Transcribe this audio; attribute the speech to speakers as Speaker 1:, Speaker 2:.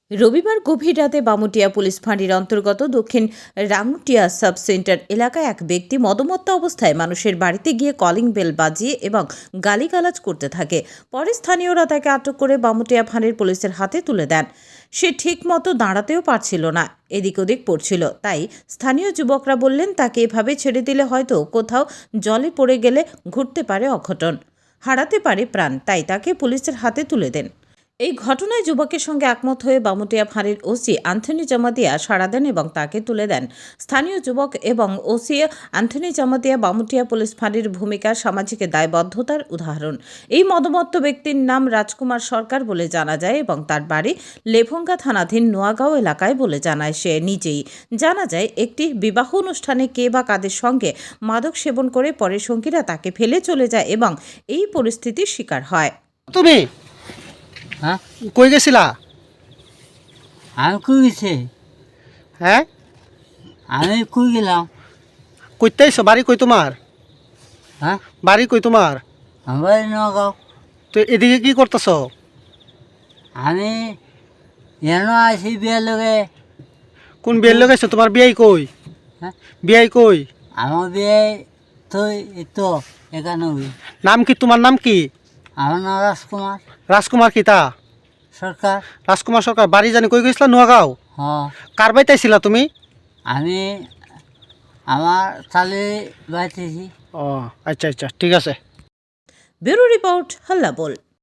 Speaker 1: রবিবার গভীর রাতে বামুটিয়া পুলিশ ফাঁড়ির অন্তর্গত দক্ষিণ রাঙ্গুটিয়া সাব সেন্টার এলাকায় এক ব্যক্তি মদমত্ত অবস্থায় মানুষের বাড়িতে গিয়ে কলিং বেল বাজিয়ে এবং গালিগালাজ করতে থাকে। পরে স্থানীয়রা তাকে আটক করে বামুটিয়া ফাঁড়ির পুলিশের হাতে তুলে দেন। সে ঠিক মতো দাঁড়াতেও পারছিল না, এদিক ওদিক পড়ছিল। তাই স্থানীয় যুবকরা বললেন, তাকে এভাবে ছেড়ে দিলে হয়তো কোথাও জলে পড়ে গেলে ঘটতে পারে অঘটন, হারাতে পারে প্রাণ। তাই তাকে পুলিশের হাতে তুলে দেন। এই ঘটনায় যুবকের সঙ্গে একমত হয়ে বামুটিয়া ফাঁড়ির ওসি অ্যান্থনি জামাতিয়া সাড়া দেন এবং তাকে তুলে দেন। স্থানীয় যুবক এবং OC Anthony Jamatia Bamutia police ফাঁড়ির ভূমিকা সামাজিক দায়বদ্ধতার উদাহরণ। এই মদমত্ত ব্যক্তির নাম রাজকুমার সরকার বলে জানা যায় এবং তার বাড়ি লেভঙ্গা থানাধীন নোয়াগাঁও এলাকায় বলে জানায় সে নিজেই। জানা যায়, একটি বিবাহ অনুষ্ঠানে কে বা কাদের সঙ্গে মাদক সেবন করে পরে সঙ্গীরা তাকে ফেলে চলে যায় এবং এই পরিস্থিতির শিকার হয়।
Speaker 2: তুমি
Speaker 3: হ্যাঁ,
Speaker 2: কই গেছিলা?
Speaker 3: আমি কই গেছি?
Speaker 2: হ্যাঁ,
Speaker 3: আমি কই গেলাম?
Speaker 2: কইতে আইছো? বাড়ি কই তোমার?
Speaker 3: হ্যাঁ,
Speaker 2: বাড়ি কই তোমার?
Speaker 3: আমার নগাঁও।
Speaker 2: তো এদিকে কি করতেছ?
Speaker 3: আমি এন আছি বিয়ের লগে।
Speaker 2: কোন বিয়ের লোক আইছো? তোমার বিয়াই কই?
Speaker 3: হ্যাঁ,
Speaker 2: বিয়াই কই?
Speaker 3: আমার বিয়ে তো এই তো 91।
Speaker 2: নাম কি? তোমার নাম কি?
Speaker 3: আমার নাম রাজকুমার
Speaker 2: রাজকুমার কি তা?
Speaker 3: সরকার।
Speaker 2: রাজকুমার সরকার। বাড়ি জানি কই গেছিলা? নোয়াগাঁও।
Speaker 3: হ,
Speaker 2: কার বাড়িতে আইছিলা তুমি?
Speaker 3: আমি আমার তালে বাইতেছি।
Speaker 2: ও আচ্ছা আচ্ছা, ঠিক আছে।
Speaker 1: ব্যুরো রিপোর্ট, হাল্লা বল।